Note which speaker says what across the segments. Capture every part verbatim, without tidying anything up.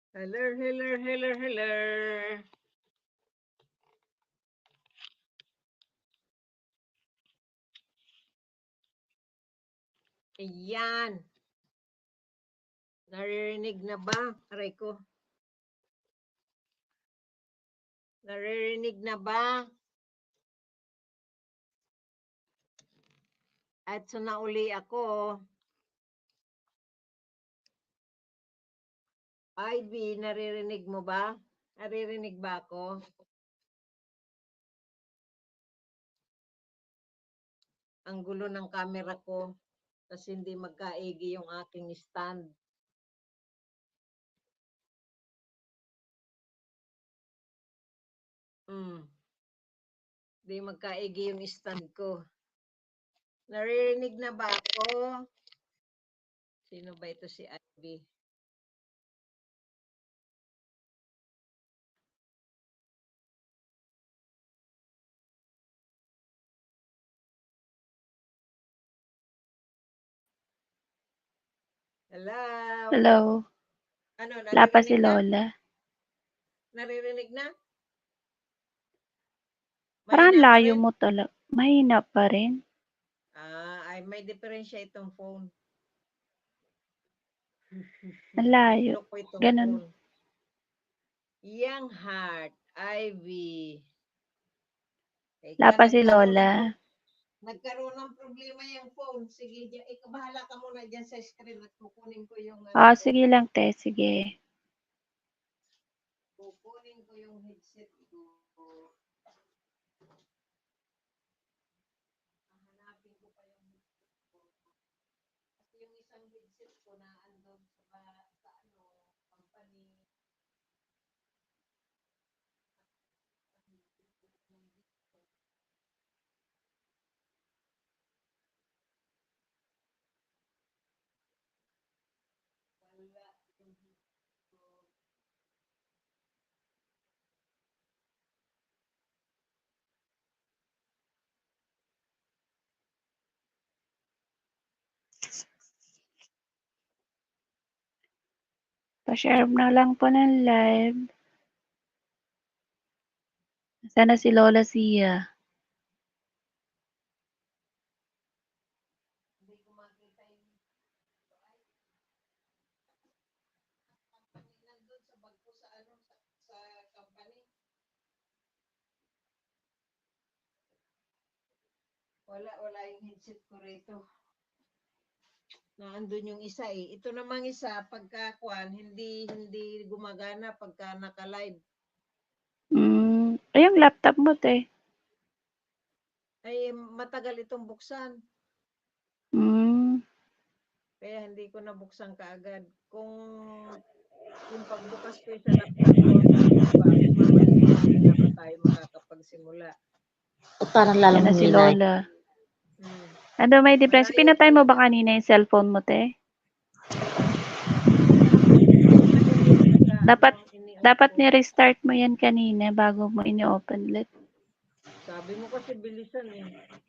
Speaker 1: Hello, hello, hello, hello. Ayan. Naririnig na ba? Aray ko. Naririnig na ba? At so nauli ako. Ivy, naririnig mo ba? Naririnig ba ako? Ang gulo ng camera ko kasi hindi magkaigi yung aking stand. Hmm. Hindi magkaigi yung stand ko. Naririnig na ba ako? Sino ba ito si Ivy? Hello?
Speaker 2: Hello.
Speaker 1: Ano,
Speaker 2: Wala pa si
Speaker 1: naririnig na?
Speaker 2: Lola.
Speaker 1: Naririnig na?
Speaker 2: Parang
Speaker 1: Mahina pa
Speaker 2: layo
Speaker 1: rin?
Speaker 2: mo talaga. Mahina pa rin.
Speaker 1: Ah, ay may diferensya itong phone.
Speaker 2: Ang layo.
Speaker 1: Loko itong
Speaker 2: Ganun.
Speaker 1: phone. Young Heart, Ivy.
Speaker 2: Wala
Speaker 1: Ika,
Speaker 2: pa si
Speaker 1: nagkaroon ng,
Speaker 2: Lola.
Speaker 1: pro- nagkaroon ng problema yung phone. Sige, dyan, ikaw bahala ka muna dyan sa screen at kukunin ko yung ano
Speaker 2: Ah,
Speaker 1: ko.
Speaker 2: sige lang, te. Sige.
Speaker 1: Kukunin ko yung headset ko. Hanapin ko pa yung headset ko. Kasi yung isang headset ko na andun sa, sa ano, company. Wala yung headset ko.
Speaker 2: Pa-share na lang po ng live. Sana si Lola Sia.
Speaker 1: Hindi ko makita yung company nandun sa bag ko sa ano, sa, sa company. Wala, wala yung headset ko rito. Naandun yung isa eh. Ito namang isa, pagka kwan, hindi, hindi gumagana pagka naka-live.
Speaker 2: Mm, ay, yung laptop mo, te.
Speaker 1: Ay, matagal itong buksan.
Speaker 2: Mm,
Speaker 1: Kaya hindi ko nabuksan kaagad. Kung yung pagbukas ko sa laptop ko, sabi ko ba, mamaya-maya na pa tayo makakapagsimula.
Speaker 3: O parang
Speaker 2: yan
Speaker 3: lalong
Speaker 2: na si
Speaker 3: humina.
Speaker 2: Lola.
Speaker 1: Hmm.
Speaker 2: Ano, may difference.
Speaker 1: Malayo
Speaker 2: Pinatay mo ba
Speaker 1: talaga.
Speaker 2: kanina yung cellphone mo, te?
Speaker 1: Ano yun, naka,
Speaker 2: Dapat,
Speaker 1: ano, ini-off
Speaker 2: dapat
Speaker 1: ko.
Speaker 2: ni-restart mo yan kanina bago mo ini-open ulit.
Speaker 1: Sabi mo kasi bilisan eh.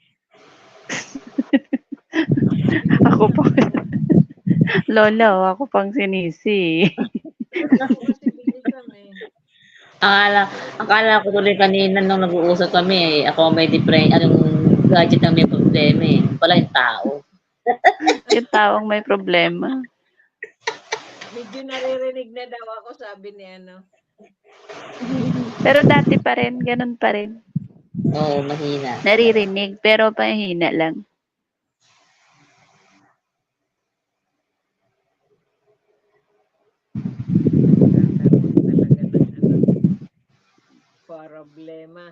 Speaker 2: Ako
Speaker 1: Bilisan
Speaker 2: pa.
Speaker 1: ko.
Speaker 2: Lola, oh, ako pang sinisi.
Speaker 1: Sabi mo kasi bilisan eh.
Speaker 3: Akala, akala ko tuloy kanina nung nag-uusap kami, eh, ako may different, anong gadget ang may problema eh. Wala yung tao.
Speaker 2: Yung taong may problema.
Speaker 1: Medyo naririnig na daw ako, sabi ni ano.
Speaker 2: Pero dati pa rin, ganun pa rin.
Speaker 3: Oo, mahina.
Speaker 2: Naririnig, pero pahina lang.
Speaker 1: Nagkakaroon talaga ng ano, problema.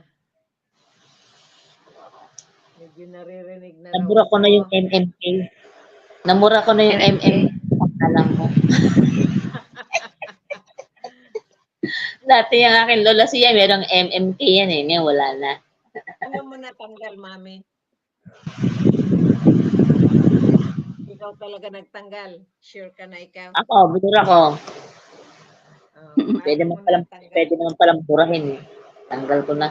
Speaker 1: Medyo naririnig na raw
Speaker 3: Namura ko
Speaker 1: ako.
Speaker 3: na yung M M K. Namura ko na yung
Speaker 2: M M K.
Speaker 3: M M K. Alam mo. Dati yung akin lola siya, merong M M K yan eh. Ngayon wala na.
Speaker 1: Ano mo natanggal, mami? Ikaw talaga nagtanggal. Sure ka na ikaw?
Speaker 3: Ako, binura ko.
Speaker 1: Oh,
Speaker 3: Pwede
Speaker 1: paano mo
Speaker 3: naman palang,
Speaker 1: natanggal?
Speaker 3: pwede naman palang burahin eh. Tanggal ko na.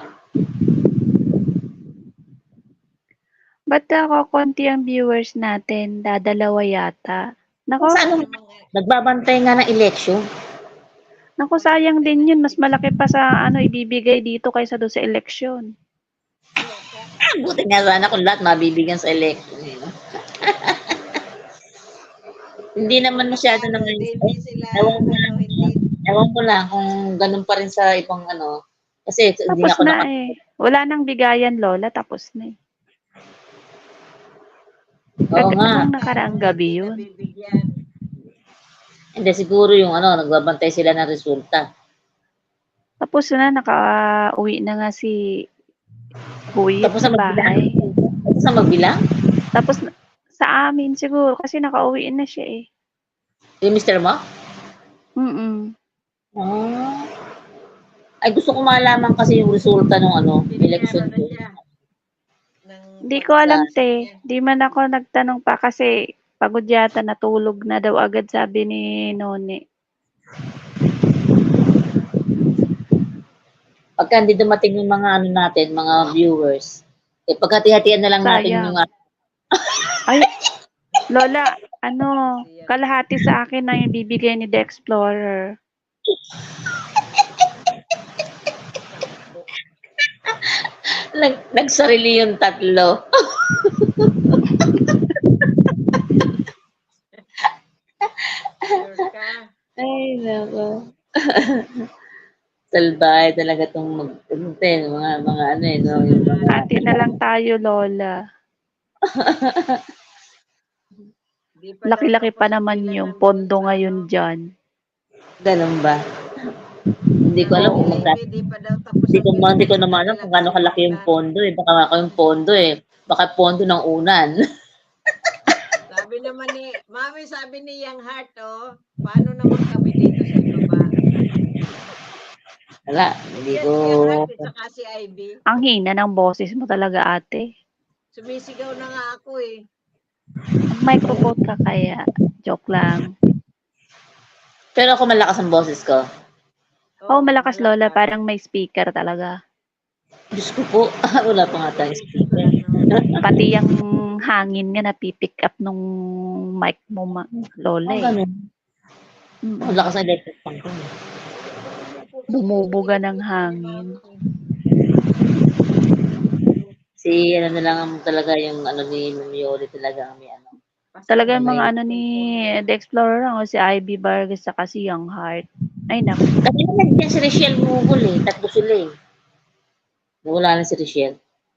Speaker 2: Ba't ako konti ang viewers natin? Dadalawa yata.
Speaker 3: Kung
Speaker 2: Nako,
Speaker 3: saan
Speaker 1: Ano
Speaker 3: nung
Speaker 1: namang,
Speaker 3: nagbabantay nga ng election.
Speaker 2: Naku, sayang din yun. Mas malaki pa sa ano ibibigay dito kaysa doon sa eleksyon.
Speaker 1: Loka.
Speaker 3: Ah, buti nga sana kung lahat mabibigyan sa election. Eh, no? Hindi naman masyado
Speaker 1: Ano,
Speaker 3: naman.
Speaker 1: di, hindi sila,
Speaker 3: Ewan ko
Speaker 1: ano,
Speaker 3: lang,
Speaker 1: hindi.
Speaker 3: ewan ko lang kung ganun pa rin sa ibang ano. Kasi hindi
Speaker 2: Tapos
Speaker 3: nga ako
Speaker 2: na
Speaker 3: naka...
Speaker 2: eh. Wala nang bigayan, Lola. Tapos na eh.
Speaker 3: Oo
Speaker 2: Kag-
Speaker 3: nga.
Speaker 2: nung
Speaker 1: Basta, ano,
Speaker 2: nakaraang gabi
Speaker 1: hindi
Speaker 2: yun.
Speaker 1: nabibigyan.
Speaker 3: Hindi, siguro yung ano, nagbabantay sila ng resulta.
Speaker 2: Tapos na, naka-uwi na nga si Buyit
Speaker 3: Tapos
Speaker 2: sa
Speaker 3: na magbilang.
Speaker 2: bahay.
Speaker 3: Tapos na magbilang.
Speaker 2: Tapos na- sa amin siguro kasi nakauwi na siya eh.
Speaker 3: Yung mister mo?
Speaker 2: Mm.
Speaker 3: Ah. Ay, gusto ko malaman kasi yung resulta ng ano,
Speaker 1: Binayaran
Speaker 3: election
Speaker 1: na
Speaker 3: ko.
Speaker 1: siya. Ng
Speaker 2: Hindi ko alam
Speaker 1: pag-assist
Speaker 2: te.
Speaker 1: niya.
Speaker 2: Di man ako nagtanong pa kasi pagod yata natulog na daw agad sabi ni Noni.
Speaker 3: Pagka hindi dumating yung mga ano natin, mga viewers, eh pagkati-hatian na lang natin yung
Speaker 2: Sayang. Ay, Lola, ano,
Speaker 1: Siya.
Speaker 2: kalahati sa akin na yung bibigay ni The Explorer.
Speaker 1: Sampo.
Speaker 3: nag, nagsarili yung tatlo.
Speaker 1: Sure ka.
Speaker 3: Ay, nako. Salbahe talaga itong mag, ano, te, mga, mga ano eh, no, yung mga,
Speaker 2: Ate na lang tayo, Lola.
Speaker 1: Di pa daw
Speaker 2: Laki-laki
Speaker 1: tapos
Speaker 2: pa
Speaker 1: ang
Speaker 2: naman
Speaker 1: bilang
Speaker 2: yung
Speaker 1: ng
Speaker 2: pondo
Speaker 1: resulta,
Speaker 2: ngayon
Speaker 1: no?
Speaker 2: dyan.
Speaker 3: ganun ba? Hindi ko
Speaker 1: Sabi
Speaker 3: alam
Speaker 1: ni
Speaker 3: kung magka,
Speaker 1: Ivy, di pa daw tapos
Speaker 3: hindi
Speaker 1: ang
Speaker 3: ko, ma-
Speaker 1: bilang
Speaker 3: hindi ko
Speaker 1: ng
Speaker 3: naman alam kung
Speaker 1: kanilang
Speaker 3: gaano kalaki yung
Speaker 1: sinulat.
Speaker 3: pondo eh. Baka ako yung pondo eh. Baka pondo ng unan.
Speaker 1: Sabi naman ni, Mami, sabi ni Young Heart, oh, paano naman kami dito sa ibaba?
Speaker 3: Wala, hindi
Speaker 1: Yan
Speaker 3: ko,
Speaker 1: si Young Heart at saka si Ivy.
Speaker 2: Ang hina ng boses mo talaga, ate.
Speaker 1: Sumisigaw na nga ako eh.
Speaker 2: Microphone ka kaya. Joke lang.
Speaker 3: pero ako malakas ang boses ko.
Speaker 2: Oh, malakas, Lola. Parang may speaker talaga.
Speaker 3: Diyos ko po, wala pa nga tayong speaker.
Speaker 1: Ano,
Speaker 2: Pati yung hangin nga napipick up nung mic mo, ma- Lola
Speaker 3: Ang
Speaker 2: eh.
Speaker 3: ganun.
Speaker 2: Mm.
Speaker 3: Ang lakas ng electric fan ko. eh.
Speaker 2: Bumubuga ng hangin.
Speaker 3: Si ano na lang ang talaga yung ano ni Mioli talaga ang may ano.
Speaker 2: Talaga yung mga ano ni The Explorer lang, o si Ivy Vargas saka si Young Heart. Ay, naku.
Speaker 3: Kasi nandiyan si Richelle Mugol eh. Tatlo sila eh. Wala na si Richelle.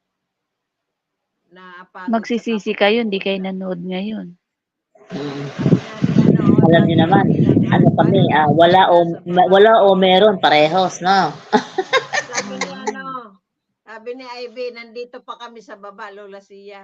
Speaker 1: Napagod
Speaker 2: Magsisisi
Speaker 1: sa
Speaker 2: kayo, hindi kayo
Speaker 1: kapag-
Speaker 2: nanood ngayon.
Speaker 3: Hmm.
Speaker 1: Sabi nga ni ano,
Speaker 3: Alam
Speaker 1: sabi
Speaker 3: niyo
Speaker 1: nga
Speaker 3: naman,
Speaker 1: ni Young Heart,
Speaker 3: ano kami,
Speaker 1: paano
Speaker 3: ah,
Speaker 1: naman
Speaker 3: wala
Speaker 1: kami
Speaker 3: o
Speaker 1: nasa baba?
Speaker 3: wala o meron parehos, no?
Speaker 1: Sabi ni ano, sabi ni Ivy, nandito pa kami sa baba, Lola Sia.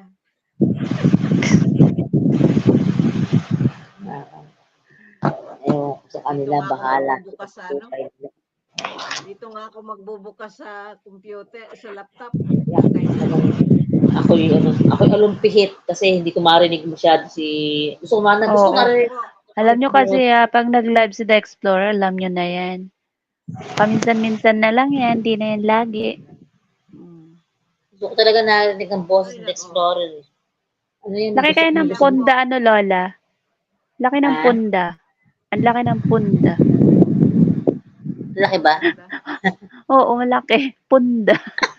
Speaker 3: Ah, Ewan ko sa kanila,
Speaker 1: Dito nga ako
Speaker 3: bahala.
Speaker 1: magbubukas sa ano? Dito nga ako magbubukas sa computer, sa laptop.
Speaker 3: Ako yung ano, ako yung alumpihit kasi hindi ko marinig masyado si gusto ko man gusto ko
Speaker 2: Oo.
Speaker 3: marinig.
Speaker 2: Alam nyo kasi, ah, pag nag-live si The Explorer, alam nyo na yan. Paminsan-minsan na lang yan, di na yan lagi. Mm.
Speaker 3: Gusto ko talaga narinig ang boses
Speaker 1: Ay,
Speaker 3: ng
Speaker 1: nako.
Speaker 3: Explorer. eh. Ano yun?
Speaker 2: Laki
Speaker 3: gusto
Speaker 2: kayo
Speaker 3: ko-
Speaker 2: ng
Speaker 3: gusto ko-
Speaker 2: punda, ano, Lola? Laki ng
Speaker 3: Ah?
Speaker 2: punda. Ang laki ng punda.
Speaker 3: Laki ba?
Speaker 2: Oo, malaki. Punda.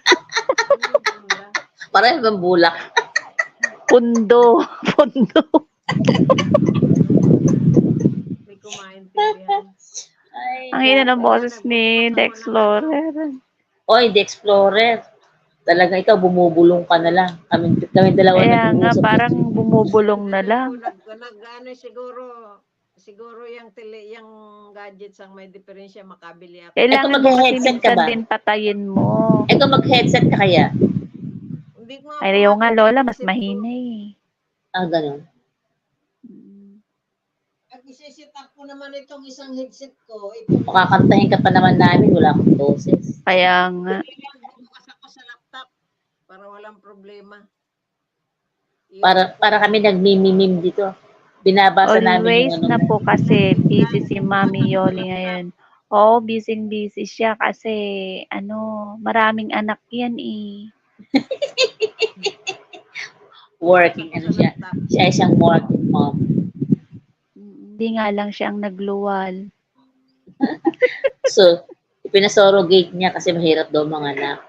Speaker 3: Parang bang bulak.
Speaker 2: Pundo. Pundo.
Speaker 1: Hindi ko maintindihan.
Speaker 3: Ay,
Speaker 2: Ang hina ng
Speaker 1: Kaya
Speaker 2: boses ni
Speaker 1: nagbubukas
Speaker 2: The
Speaker 1: ako ng
Speaker 2: Explorer.
Speaker 3: Oy, The Explorer. Talaga ikaw, bumubulong ka na lang. Kami, kami dalawa
Speaker 2: Kaya nga,
Speaker 3: nag-uusap.
Speaker 2: parang bumubulong na
Speaker 1: Sabi
Speaker 2: lang.
Speaker 1: ko, nag, nag, ano, siguro, siguro yung tele, yung gadgets ang may diferensya, makabili ako.
Speaker 2: Kailangan
Speaker 3: Eto,
Speaker 2: mo kasi
Speaker 3: mag-headset ka
Speaker 2: minsan
Speaker 3: ba?
Speaker 2: din patayin mo.
Speaker 3: Ikaw mag-headset ka kaya?
Speaker 1: Hindi ko nga
Speaker 2: Ay, ayaw nga,
Speaker 1: kumabili
Speaker 2: Lola,
Speaker 1: ng
Speaker 2: mas
Speaker 1: headset ko.
Speaker 2: mahina eh.
Speaker 3: Ah, ganun.
Speaker 1: Pag isisit up ko naman itong isang headset ko, itong
Speaker 3: Makakantahin ka pa naman namin, wala akong boses.
Speaker 2: Kaya nga.
Speaker 1: bukas ako sa laptop para walang problema. Yun.
Speaker 3: Para para kami nagmimimim dito. Binabasa namin
Speaker 2: Always
Speaker 3: yung ano.
Speaker 2: na po kasi busy si Mami Yoli ngayon. Oo, busy-busy siya kasi ano, maraming anak yan eh.
Speaker 3: Working, ano siya. Siya ay siyang working mom.
Speaker 2: Hindi nga lang siya ang nagluwal.
Speaker 3: So, ipinasurrogate niya kasi mahirap daw mga anak.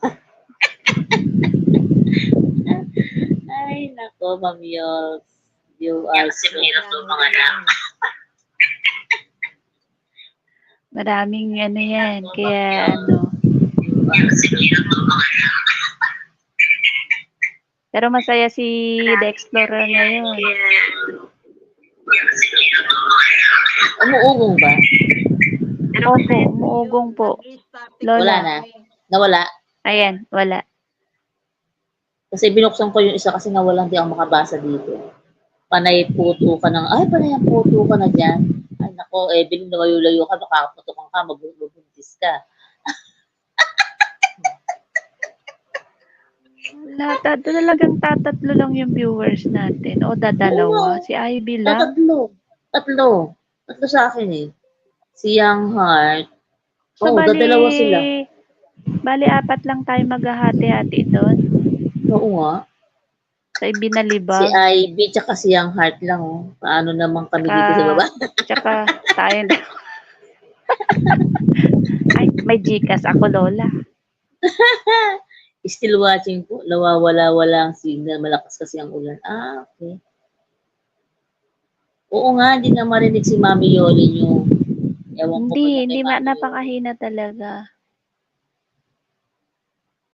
Speaker 3: Ay, nako, Ma'am Yols. You are so...
Speaker 1: Mahirap daw mga anak.
Speaker 2: Maraming ano yan. Kaya ano. Pero masaya si The Explorer ngayon.
Speaker 3: Umuugong ba?
Speaker 2: Opo, umuugong po. Lola.
Speaker 3: Wala na. Nawala.
Speaker 2: Ayan, wala.
Speaker 3: Kasi binuksan ko yung isa kasi nawalan di ako makabasa dito. Panay puto ka ng, ay, panay ang puto ka na dyan. Ay, nako, eh, biling na layo ka, makakaputukan ka, magbubuntis ka.
Speaker 2: Lahat, talagang tatatlo lang yung viewers natin. O dadalawa.
Speaker 3: Oo.
Speaker 2: Si Ivy
Speaker 3: Ah,
Speaker 2: lang.
Speaker 3: tatlo. Tatlo. Tatlo sa akin eh. Si Young Heart.
Speaker 2: So,
Speaker 3: Oh,
Speaker 2: bali,
Speaker 3: dadalawa sila.
Speaker 2: bali apat lang tayo maghahati-hati doon.
Speaker 3: Oo nga.
Speaker 2: Sa
Speaker 3: Si
Speaker 2: ibinalibag.
Speaker 3: Ivy, tsaka si Young Heart lang, oh. Paano naman kami dito sa
Speaker 2: Tsaka,
Speaker 3: baba?
Speaker 2: tsaka tayo. Ay, may Gcash ako, Lola.
Speaker 3: Still watching po. Nawawala-wala ang signal. Malakas kasi ang ulan. Ah, okay. Oo nga, hindi na marinig si Mami Yoli yung ewan ko ba
Speaker 2: Hindi,
Speaker 3: na kay
Speaker 2: hindi ma,
Speaker 3: Mami Yoli.
Speaker 2: napakahina talaga.